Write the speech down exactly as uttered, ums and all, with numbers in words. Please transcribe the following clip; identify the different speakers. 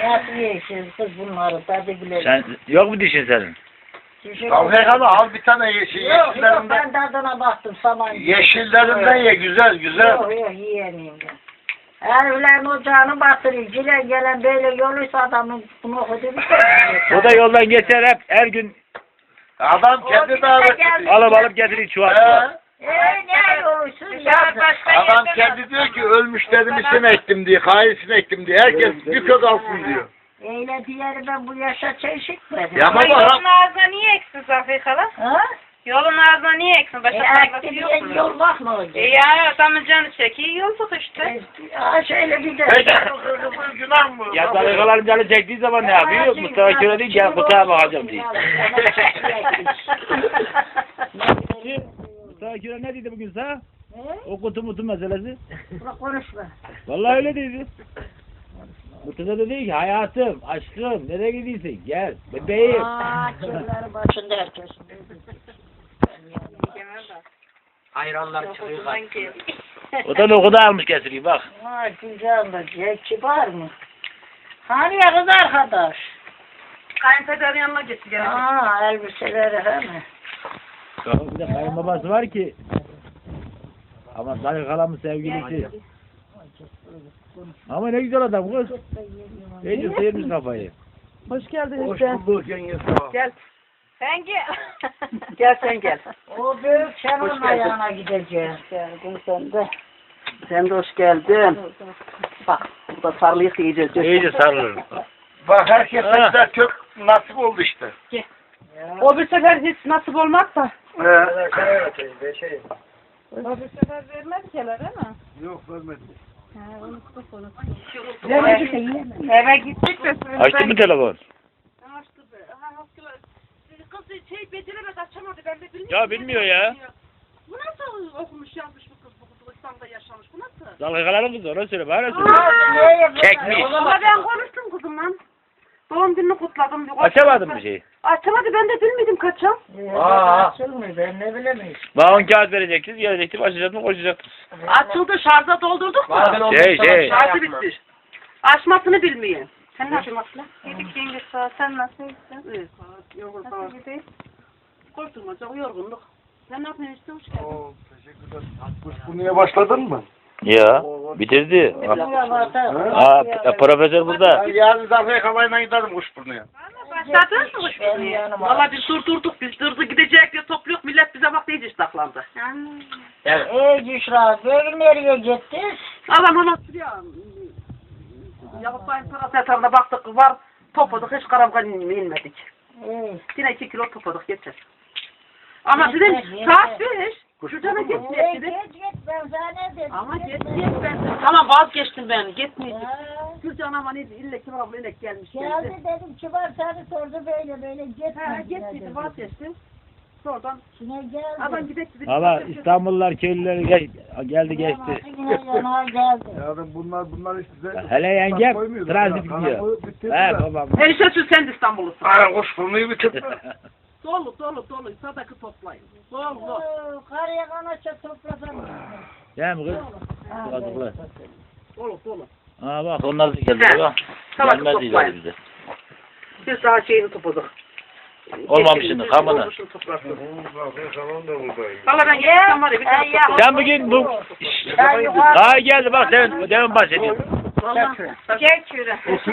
Speaker 1: Nasıl yeşil kız bunları tadı bile.
Speaker 2: Sen yok mu dişin senin?
Speaker 3: Tavfikalı al bir tane yeşil.
Speaker 1: Yok yok
Speaker 3: Yeşillerinden,
Speaker 1: ben tadına baktım saman.
Speaker 3: yeşillerinden ye güzel güzel.
Speaker 1: Yok yok yiyemeyim ben. Heriflerin ocağını batırıyor. Cile gelen böyle yoluysa adamın bunu okudu.
Speaker 2: O da yoldan geçer hep her gün
Speaker 3: Adam kendi davet
Speaker 2: alıp alıp getirir çuval.
Speaker 1: Eee ne yoluysun ya?
Speaker 3: Adam kendi diyor ki ölmüş dedim isim ektim diye, kayısını ektim diye. Herkes bir kök alsın diyor.
Speaker 1: Eyle diğeri ben bu yaşa çeşitmedim.
Speaker 3: Ya
Speaker 4: Ama
Speaker 3: baba
Speaker 4: yolun ağzına niye eksin Safiye hala?
Speaker 1: Ha?
Speaker 4: Yolun ağzına niye eksin?
Speaker 1: E
Speaker 4: Başka
Speaker 1: aklı
Speaker 4: tarlası
Speaker 1: bir
Speaker 4: yok mu?
Speaker 1: yol bakma.
Speaker 4: E ya adamın canı çekiyor yolduk işte.
Speaker 1: Ha şöyle bir de.
Speaker 3: peki bu kızın günah mı?
Speaker 2: Ya dalgaların canı çektiği zaman ne yapıyor? Mustafa Köre değil gel kutuğa bakacağım diye. Mustafa Köre ne dedi bugün sana? O kutu mutu meselesi.
Speaker 1: Bırak konuşma.
Speaker 2: Vallahi öyle dedi. Mustafa da dedi ki hayatım, aşkım nereye gidiyorsun? Gel bebeğim.
Speaker 1: Aa kirleri başında herkes.
Speaker 3: Hayranlar çıkıyor.
Speaker 2: O da lokuda almış getiriyor bak.
Speaker 1: Ha güzel de kibar mı? Hani ya kız arkadaş?
Speaker 4: Kayınpederin yanına gitti gene.
Speaker 1: Aa elbiseleri he mi?
Speaker 2: Bir de kayınbabası var ki. Ama Sarı Kalam'ın sevgilisi. Ama ne güzel adam kız. İyice sıyırmış kafayı.
Speaker 4: Hoş geldin
Speaker 3: Hoş
Speaker 4: işte.
Speaker 3: bulduk yenge.
Speaker 4: Gel. Sen gel. Gel sen gel.
Speaker 1: O büyük sen onun ayağına gideceksin. Geldin sen de.
Speaker 4: Sen de hoş geldin. Bak burada sarılıyık iyice.
Speaker 2: İyice sarılır.
Speaker 3: Bak herkes
Speaker 2: Ha.
Speaker 3: de kök nasip oldu işte.
Speaker 4: O bir sefer hiç nasip olmaz da.
Speaker 3: He.
Speaker 4: O bir sefer vermez ki hele değil mi?
Speaker 3: Yok vermedi.
Speaker 4: Eve gittik de
Speaker 2: Açtı mı telefon?
Speaker 4: Açtı be. Ha, kız şey beceremedi açamadı ben de bilmiyorum.
Speaker 2: Ya bilmiyor ya.
Speaker 4: Bu nasıl okumuş yazmış bu kız bu kız İstanbul'da yaşamış bu nasıl?
Speaker 2: Dalgaların kızı ona söyle bana söyle.
Speaker 1: Aa,
Speaker 2: Çekmiş.
Speaker 4: Ama ben konuştum kızımla. Doğum gününü kutladım.
Speaker 2: Açamadın bir şey.
Speaker 4: Açamadı ben de bilmedim kaçam.
Speaker 3: Aa.
Speaker 1: Açılmıyor ben ne bilemeyiz.
Speaker 2: Bana on kağıt verecektiniz, gelecektim, açacaktım, koşacaktım.
Speaker 4: Açıldı şarja doldurduk mu?
Speaker 2: Şey şey.
Speaker 4: Şarjı bitti. Açmasını bilmiyor. Sen nasıl açmasını? Yedik yenge sağ sen nasıl gittin? Evet sağ yorgun sağ ol. Koşturmaca yorgunluk. Sen ne yapıyorsun işte hoş geldin.
Speaker 3: Oo, teşekkürler. Kuşburnu'ya başladın mı?
Speaker 2: Ya bitirdi.
Speaker 1: Buraya bata.
Speaker 2: Aa p- profesör burada.
Speaker 3: Ben yarın Zafer Kalay'la giderim Kuşburnu'ya.
Speaker 4: Başladın mı hoş
Speaker 1: Benim
Speaker 4: geldin?
Speaker 1: yanıma.
Speaker 4: Valla biz durdurduk biz durdu gidecek diye topluyoruz millet bize bak iyice saklandı.
Speaker 1: Ey Cüşra, böyle nereye gittiniz?
Speaker 4: Adam ona ya. Yavuz Bey'in parasetamına baktık var topladık hiç karamkan inmedik.
Speaker 1: Ey.
Speaker 4: Yine iki kilo topladık yeter. Ama sizin saat beş. Şurada git
Speaker 1: Ey
Speaker 4: git.
Speaker 1: git git ben sana ne dedim?
Speaker 4: Ama git
Speaker 1: Gitme.
Speaker 4: git ben. Tamam vazgeçtim ben gitmeyeceğim.
Speaker 1: Ha,
Speaker 4: Gülcan ama neydi ille kim abla inek gelmiş
Speaker 1: Geldi
Speaker 4: geldi.
Speaker 1: dedim kibar seni sordu böyle böyle gitme.
Speaker 4: Ha gitmeydim vazgeçtim. Sonradan
Speaker 1: Yine geldi.
Speaker 4: adam gidek dedik.
Speaker 2: Valla İstanbullular köylüleri ge- geldi geçti.
Speaker 1: Yine yana geldi.
Speaker 3: Yarın bunlar bunlar işte bize...
Speaker 2: Hele yengem
Speaker 3: koymuyordu.
Speaker 2: transit
Speaker 3: Kana-
Speaker 2: gidiyor.
Speaker 3: kana- bitirdiler.
Speaker 2: He babam.
Speaker 4: Enişte sen de İstanbullusun.
Speaker 3: Aa, Kuşburnu'yu bitirdi.
Speaker 4: Dolu dolu dolu sadaka toplayın. Dolu.
Speaker 1: Oo, Karıya kanaça toplasan.
Speaker 2: Değil mi kız? Kazıklı.
Speaker 4: Dolu dolu.
Speaker 2: Aa bak onlar da geldi.
Speaker 4: He.
Speaker 2: Bak.
Speaker 4: Salak
Speaker 2: Gelmez
Speaker 4: toplayın.
Speaker 2: ileri bize.
Speaker 4: Biz daha şeyini topladık.
Speaker 2: Olmamışsını, kamını.
Speaker 4: Olmuşunu toplarsın.
Speaker 3: Zafer Kalan da buradayım.
Speaker 4: Valla ben gelsem var ya bir tane
Speaker 1: Ya,
Speaker 4: topladım.
Speaker 2: Sen bugün bu...
Speaker 1: Ben yukarı-
Speaker 2: Daha geldi bak demin, demin bahsediyorum.
Speaker 4: Valla. Gel küre.